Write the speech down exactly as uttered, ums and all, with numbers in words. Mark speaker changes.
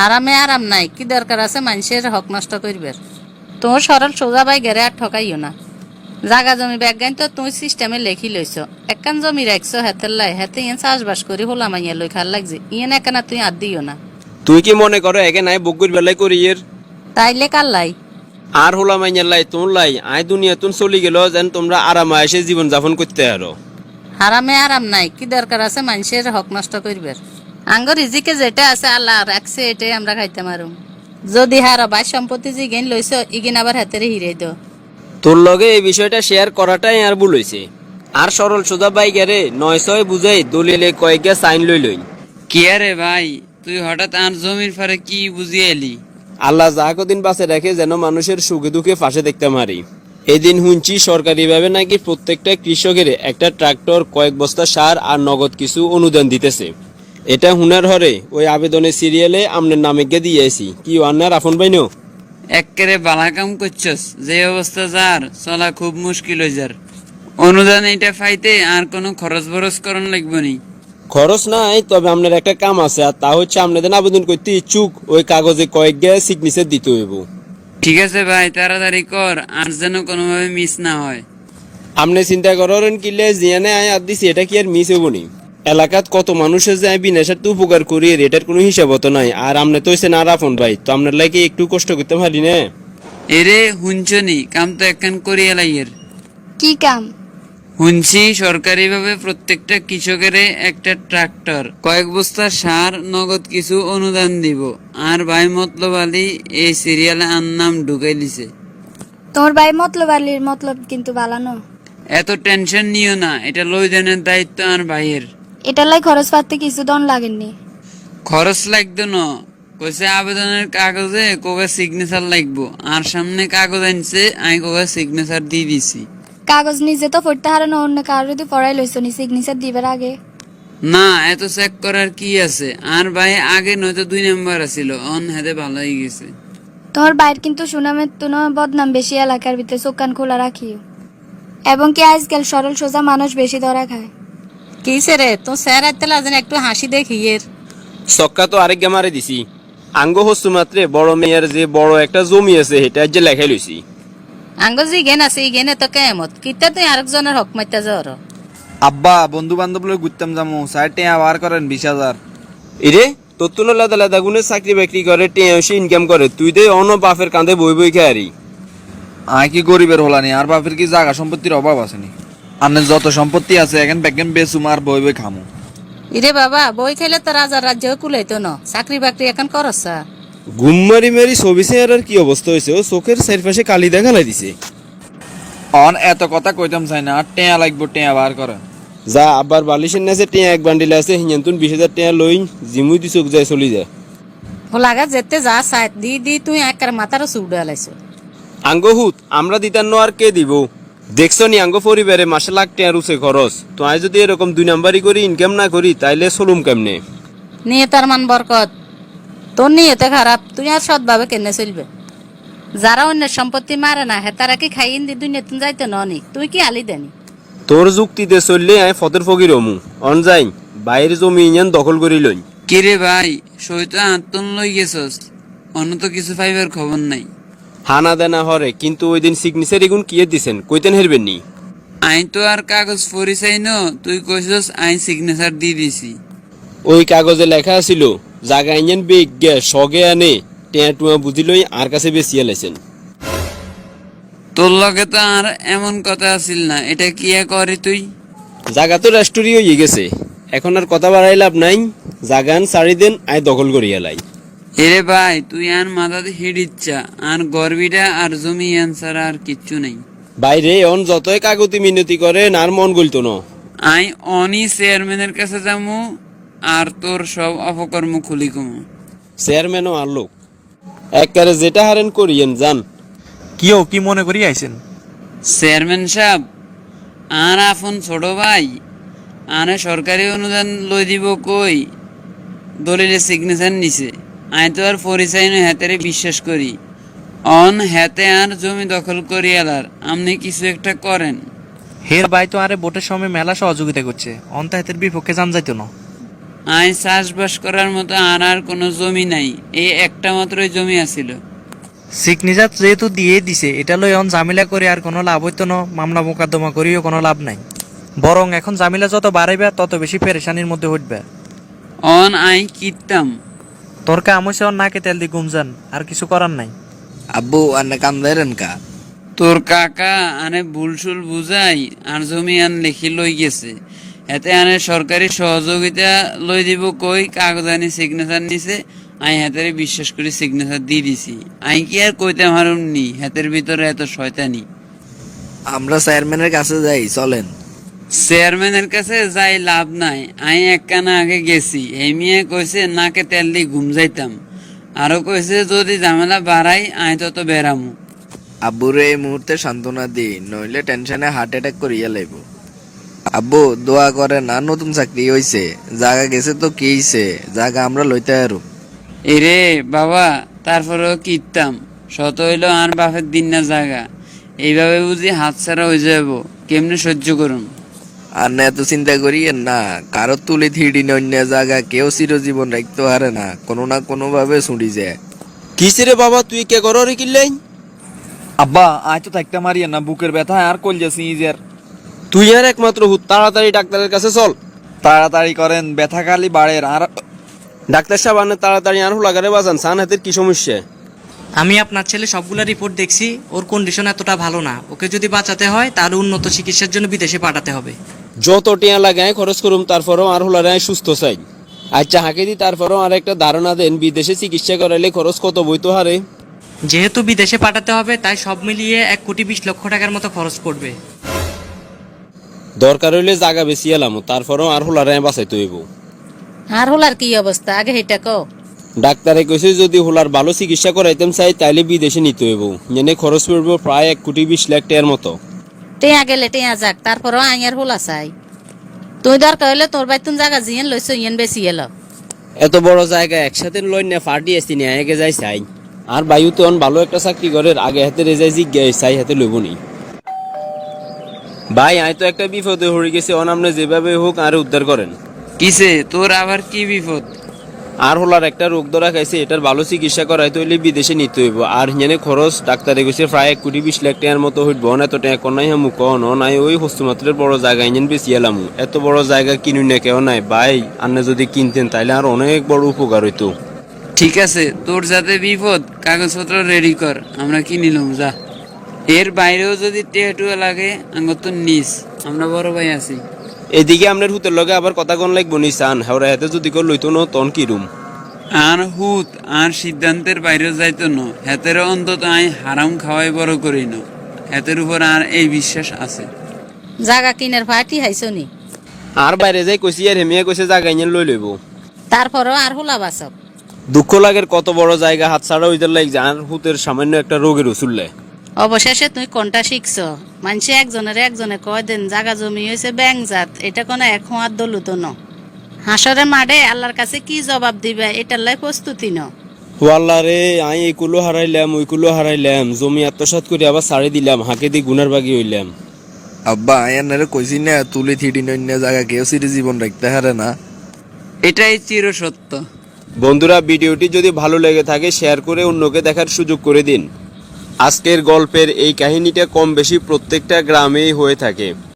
Speaker 1: হারামে আরাম নাই, কি দরকার আছে মানুষের হক নষ্ট করবার। তোর সরল সোজা বাই গেরে আর ঠকাইও না। জাগা জমি ব্যাগাইন তো তুই সিস্টেমে লেখি লইছ, একখান জমি রাখছো হাতের লাই, হাতে ইয়েন চাষবাস করি হোলা মাইয়া লই খাল লাগছে, ইয়েন একানা তুই আর দিও না।
Speaker 2: তুই কি মনে করো একে নাই বকুর বেলায় করি এর
Speaker 1: তাইলে কার লাই?
Speaker 2: আর হোলা মাইয়ার লাই তোর লাই আয় দুনিয়া তুন চলি গেল যেন তোমরা আরামে এসে জীবন যাপন করতে আরো।
Speaker 1: হারামে আরাম নাই, কি দরকার আছে মানুষের হক নষ্ট করবার। আঙ্গর রিজিকে যেটা আছে আল্লাহ রাখছে এটাই আমরা খাইতে মারুম। যদি হারো বাই সম্পত্তি জিগেন লইছ ইগিন আবার হাতেরে হিরে দো।
Speaker 2: তোর লগে এই বিষয়টা শেয়ার করাটাই আর ভুল হইছে। আর সরল সোজা বাইগারে নয় ছয় বুঝাই দলিলে কয়েকটা সাইন লই লই।
Speaker 3: কি আরে ভাই, তুই হঠাৎ আর জমির ফারে কি বুঝিয়ে এলি?
Speaker 2: আল্লাহ যা কদিন বাঁচে রাখে যেন মানুষের সুখে দুঃখে ফাঁসে দেখতে মারি। এদিন শুনছি সরকারিভাবে নাকি প্রত্যেকটা কৃষকের একটা ট্রাক্টর, কয়েক বস্তা সার আর নগদ কিছু অনুদান দিতেছে। এটা হুনার হরে ওই আবেদনের সিরিয়ালে আমনের নামে গিয়ে দিয়েছি। কি আন্নার আফন বাইনো
Speaker 3: একেবারে বালা কাম করছস, যে অবস্থা যার চলা খুব মুশকিল হয়ে যার। অনুদান এটা ফাইতে আর কোনো খরচ বরচ করন লাগবে নি।
Speaker 2: খরচ নাই, তবে আপনার একটা কাম আছে, আর তা হচ্ছে আপনাদের আবেদন করতে ইচ্ছুক ওই কাগজে কয়েক গে সিগনেচার দিতে হইব।
Speaker 3: ঠিক আছে ভাই, তাড়াতাড়ি কর আর যেন কোনোভাবে মিস না হয়।
Speaker 2: আপনি চিন্তা করেন কিলে জিয়ানে আয় আর দিছি, এটা কি আর মিস হবো নি? এলাকাত কত মানুষের যে বিনা স্বার্থে উপকার করি, এটার কোনো হিসাব তো নাই। আর আপনি তো হইছেন আর আপন ভাই, তো আপনার লাগে একটু কষ্ট করতে পারি না।
Speaker 3: এরে হুঞ্চনি কাম তো একখান করিয়া লাইয়ের।
Speaker 4: কি কাম?
Speaker 3: হুনছি সরকারিভাবে প্রত্যেকটা কৃষকের একটা ট্রাক্টর, কয়েক বস্তা সার, নগদ কিছু অনুদান দিব। আর ভাই মতলব আলী এই সিরিয়ালে আর নাম ঢুকাই দিছে।
Speaker 4: তোমার ভাই মতলব আলীর মতলব কিন্তু বালানো।
Speaker 3: এত টেনশন নিও না, এটা লইদানের দায়িত্ব আর ভাইয়ের।
Speaker 4: এটার লাই খরচ পাতি কিছু দন লাগেননি।
Speaker 3: খরচ লাগতো না, কইছে আবেদনের কাগজে কোকে সিগনেচার লাগবো। আর সামনে কাগজ আনছে, আমি কোকে সিগনেচার দিয়ে দিছি।
Speaker 4: কাগজ নিজে তো পড়তে হারানো, অন্য কারো যদি পড়াই লইছ নি সিগনেচার দিবার আগে।
Speaker 3: না, এত চেক করার কি আছে? আর ভাই আগে নয়তো দুই নাম্বার আছিল, অন হাতে ভালো হয়ে গেছে।
Speaker 4: তোমার বাইর কিন্তু সুনামের তুনো বদনাম বেশি, এলাকার ভিতরে চোখ কান খোলা রাখিও। এবং কি আজকাল সরল সোজা মানুষ বেশি ধরা খায়।
Speaker 1: কিসে রে তো স্যার আইতে লাজেন একটু হাসি দেখি এর।
Speaker 2: সক্কা তো আরেক মারে দিছি। আঙ্গ হস্তু মাত্রে বড় মেয়ের যে বড় একটা জমি আছে সেটা যে লেখাই লইছি।
Speaker 1: আঙ্গ জি গেন আছে ই গেনে তো কেমত কিতা তুই আরেকজনের হক মাইতা যাওয়ার।
Speaker 5: আব্বা বন্ধু বান্ধব লই ঘুরতাম যামু, সাইডে আবার করেন বিশ হাজার।
Speaker 2: এরে তোর তো লাদা লাদা গুনে চাকরি বাকরি করে টেঁসে ইনকাম করে, তুই দে অন্য বাপের কাঁধে বই বই খেয়ারি।
Speaker 5: আয় কি গরিবের হলানি, আর বাপের কি জায়গা সম্পত্তির অভাব আসেনি? আপনার যত সম্পত্তি আছে এখন ব্যাগেন বেচুম আর বই বই খামু।
Speaker 1: ইরে বাবা বই খেলে তো রাজার রাজ্য কুলাইতো না, চাকরি বাকরি এখন করছা।
Speaker 2: ঘুম মারি মারি ছবি চেয়ার কি অবস্থা হয়েছে, ও চোখের চারপাশে কালি দেখা লাই দিছে।
Speaker 5: অন এত কথা কইতাম চাই না, আর টেয়া লাগবো, টেয়া বার করে।
Speaker 2: যা আবার বালিশের নাচে টেঁ এক বান্ডিল আছে, হিয়ান বিশ হাজার টেঁ লই জিমুই দি চোখ যায় চলি যায়।
Speaker 1: হোলাগা যেতে যা সাইড দি দি তুই একার মাথারও চুড়ে আলাইছ।
Speaker 2: আঙ্গ হুত আমরা দিতার নো আর কে দিব? দেখছো নি আঙ্গ পরিবারে মাসে লাখ টেঁ রুছে খরচ, তো আই যদি এরকম দুই নাম্বারি করি ইনকাম না করি তাইলে চলুম কেমনে?
Speaker 1: নিয়ে তার মান বরকত, তোর নিয়েতে খারাপ, তুই আর সৎভাবে কেনে চলবে। যারা অন্যের সম্পত্তি মারে না হেতারা কি খাইন দি দুই নেতুন যাইতে ননি, তুই কি আলি দেনি?
Speaker 2: তোর যুক্তিতে চললে আই ফতের ফকির হমু। অন যাই বাইরের জমি ইঞ্জান দখল করি লই।
Speaker 3: কিরে ভাই, সইতো আত্মন লই গেছস, অন্য তো কিছু পাইবার খবর নাই।
Speaker 2: হানা দেনা হরে, কিন্তু ওই দিন সিগনেচার এগুন কিয়ে দিছেন, কইতেন হেরবেন নি?
Speaker 3: আইন তো আর কাগজ পড়ি চাই ন, তুই কইছস আইন সিগনেচার দিয়ে দিছি।
Speaker 2: ওই কাগজে লেখা ছিল জাগা ইঞ্জান বেগ গে সগে আনে টেঁ টুয়া বুঝি লই আর কাছে বেশিয়া লাইছেন।
Speaker 3: তোর লগে তো আর এমন কথা আছিল না, এটা কি করে তুই?
Speaker 2: জাগা তো রেস্টোরি হয়ে গেছে, এখন আর কথা বাড়াই লাভ নাই। জাগান সারি দেন আয় দখল করিয়া লাই।
Speaker 3: এরে ভাই তুই আর মাথাতে হিট ইচ্ছা, আর গর্বিটা আর জমি আনসার আর কিচ্ছু নাই।
Speaker 2: বাইরে অন যতই কাগতি মিনতি করেন আর মন গলতো না।
Speaker 3: আই অনি চেয়ারম্যানের কাছে যামু আর তোর সব অপকর্ম খুলি কমু।
Speaker 2: চেয়ারম্যানও আর লোক একবারে যেটা হারেন করিয়েন যান।
Speaker 6: কিও কি মনে করি আইছেন?
Speaker 3: চেয়ারম্যান সাহেব, আর আপন ছোট ভাই আনে সরকারি অনুদান লই দিব কই দলিলে সিগনেচার নিছে। আই তো আর পরিচয় নয় হাতেরে বিশ্বাস করি। অন হাতে আর জমি দখল করি এলার, আপনি কিছু একটা করেন।
Speaker 6: হের ভাই তো আরে ভোটের সময় মেলা সহযোগিতা করছে, অন্তাহিতের বিপক্ষে জান যাইতো না।
Speaker 3: আয় চাষবাস করার মতো আর আর কোনো জমি নাই, এই একটা মাত্রই জমি আছিল।
Speaker 6: সিগনেচার যেহেতু দিয়ে দিছে, এটা লই এখন ঝামেলা করে আর কোনো লাভ হইতো না, মামলা মোকদ্দমা করিও কোনো লাভ নাই। বরং এখন ঝামেলা যত বাড়াইবে তত বেশি পেরেশানির মধ্যে উঠবে।
Speaker 3: অন আই কিতাম।
Speaker 6: তোর কাম হইছে ওর নাকে তেল দিয়ে গুমজান, আর কিছু করার নাই।
Speaker 5: আব্বু আন্নে কাম দেন কা?
Speaker 3: তোর কাকা আনে ভুলসুল বুঝাই আর জমি আন লিখি লই গেছে, এতে আনে সরকারি সহযোগিতা লই দিব কই কাগজানি সিগনেচার নিছে, আই হাতের বিশ্বাস করে সিগনেচার দিয়ে দিছি। আই কি আর কইতে পারুম নি হাতের ভিতরে এত শয়তানি।
Speaker 5: আমরা চেয়ারম্যানের কাছে যাই, চলেন।
Speaker 3: চেয়ারম্যানের কাছে যাই লাভ নাই, আই এক কানা আগে গেছি, এই মিয়া কইছে নাকে তেল দিয়ে ঘুম যাইতাম, আরো কইছে যদি ঝামেলা বাড়াই আই তত বেরামু।
Speaker 5: আব্বুরে এই মুহূর্তে সান্ত্বনা দি, নইলে টেনশনে হার্ট অ্যাটাক করিয়া লাইব। আব্বু দোয়া করে না, নতুন চাকরি হইছে, জায়গা গেছে তো কি হইছে, জায়গা আমরা লইতে আরো।
Speaker 3: এরে বাবা, তারপরেও কিতাম শত হইল আর বাপের দিন না জাগা, এইভাবে বুঝি হাত ছাড়া হয়ে যাব, কেমনে সহ্য করুন।
Speaker 5: আর না এত চিন্তা করিয়েন না, কারো তুলি থিড়ি অন্য জায়গা কেউ চিরজীবন রাখতে পারে না, কোনো না কোনো ভাবে ছুটি যায়।
Speaker 2: কিসে বাবা, তুই কে করো রে কিনলেন?
Speaker 5: আব্বা আজ তো থাকতে মারিয়ে না, বুকের ব্যথা আর কল যাচ্ছি ইজের।
Speaker 2: তুই আর একমাত্র হুত, তাড়াতাড়ি ডাক্তারের কাছে চল।
Speaker 5: তাড়াতাড়ি করেন, ব্যথা খালি বাড়ের। আর
Speaker 2: ডাক্তার সাহেব আনে তাড়াতাড়ি আর হুলাগারে বাজান, সান হাতের কি সমস্যা?
Speaker 6: আমি আপনার ছেলে সবগুলা রিপোর্ট দেখছি, ওর কন্ডিশন এতটা ভালো না। ওকে যদি বাঁচাতে হয় তাহলে উন্নত চিকিৎসার জন্য বিদেশে পাঠাতে হবে।
Speaker 2: যত টিয়া লাগায় খরচ করুম, তারপরেও আর হুলারে সুস্থ চাই। আচ্ছা হাঁকে দি, তারপরেও আর একটা ধারণা দেন, বিদেশে চিকিৎসা করাইলে খরচ কত বইতো হারে?
Speaker 6: যেহেতু বিদেশে পাঠাতে হবে তাই সব মিলিয়ে এক কোটি বিশ লক্ষ টাকার মতো খরচ পড়বে।
Speaker 2: দরকার হইলে জায়গা বেশি এলাম, তারপরেও আর হুলারে বাঁচাইতে হইব।
Speaker 1: আর হোলার কি অবস্থা আগে হেটা কও।
Speaker 2: ডাক্তারে কইছে যদি হুলার ভালো চিকিৎসা করাইতাম চাই তাইলে বিদেশে নিতে হইব, এনে খরচ পড়ব প্রায় এক কোটি বিশ লাখ টাকার মতো।
Speaker 1: টেয়া গেলে টেয়া যাক, তারপরও আইয়ার হোলা চাই। তুই দরকার হইলে তোর বাইতুন জায়গা জিয়েন লইছ ইয়েন বেশি এলো।
Speaker 2: এত বড় জায়গা একসাথে লই না, ফাটি আসছি না, আগে যাই চাই। আর বায়ু তো ভালো একটা চাকরি করের, আগে হাতে রেজাই জিজ্ঞাই চাই হাতে লইব নি। ভাই আয় তো একটা বিপদে হয়ে গেছে, অনামনে যেভাবে হোক আর উদ্ধার করেন।
Speaker 3: কিসে তোর আবার কি বিপদ?
Speaker 2: আর হলার একটা রোগ ধরা খাইছে, এটার ভালো চিকিৎসা করাইতে হইলে বিদেশে নিতে হইব। আর হিয়ানে খরচ ডাক্তারে কইছে প্রায় এক কোটি বিশ লাখ টাকার মতো হইব। এত টাকা কনাই হামু কন নাই, ওই হস্তুমাত্রের বড় জায়গা ইঞ্জিন বেশি এলাম। এত বড় জায়গা কিনুই না কেউ নাই ভাই, আপনি যদি কিনতেন তাইলে আর অনেক বড় উপকার হইতো।
Speaker 3: ঠিক আছে, তোর যাতে বিপদ কাগজপত্র রেডি কর, আমরা কি নিলাম যা। এর বাইরেও যদি টেটুয়া লাগে আঙ্গর তো নিস, আমরা বড় ভাই আছি।
Speaker 2: এদিকে আপনার হুতের লগে আবার কথা কোন লাগবো নি চান, হেওরা হাতে যদি কেউ লইতো না তন কি রুম।
Speaker 3: আর হুত আর সিদ্ধান্তের বাইরে যাইতো না, হাতের অন্তত আই হারাম খাওয়াই বড় করি না, হাতের উপর আর এই বিশ্বাস আছে।
Speaker 1: জাগা কিনের ফাটি হাইছো নি,
Speaker 2: আর বাইরে যাই কইছি আর হেমিয়া কইছে জায়গা ইঞ্জিন লই লইব।
Speaker 1: তারপরও আর হোলা বাসক।
Speaker 2: দুঃখ লাগের কত বড় জায়গা হাত ছাড়া হইতে লাগ যে আর হুতের সামান্য একটা রোগের উচুললে।
Speaker 1: অবশেষে তুই কোনটা শিখছ? মানুষে একজনের একজনে কয় দেন জাগা জমি হয়েছে ব্যাং জাত, এটা কোনো এক হাত দলুত ন। হাসরে মাঠে আল্লাহর কাছে কি জবাব দিবে এটার লাই প্রস্তুতি ন।
Speaker 2: ওয়াল্লা রে, আই এই কুলো হারাইলাম ওই কুলো হারাইলাম, জমি আত্মসাৎ করে আবার ছাড়ি দিলাম, হাঁকে দিয়ে গুনার বাগি হইলাম।
Speaker 5: আব্বা আয়ানারে কইছি না, তুলি থিড়ি অন্য জায়গা কেউ চিরজীবন রাখতে হারে না।
Speaker 3: এটাই চির সত্য।
Speaker 2: বন্ধুরা, ভিডিওটি যদি ভালো লেগে থাকে শেয়ার করে অন্যকে দেখার সুযোগ করে দিন। আজকের গল্পের এই কাহিনীটা কম বেশি প্রত্যেকটা গ্রামেই হয়ে থাকে।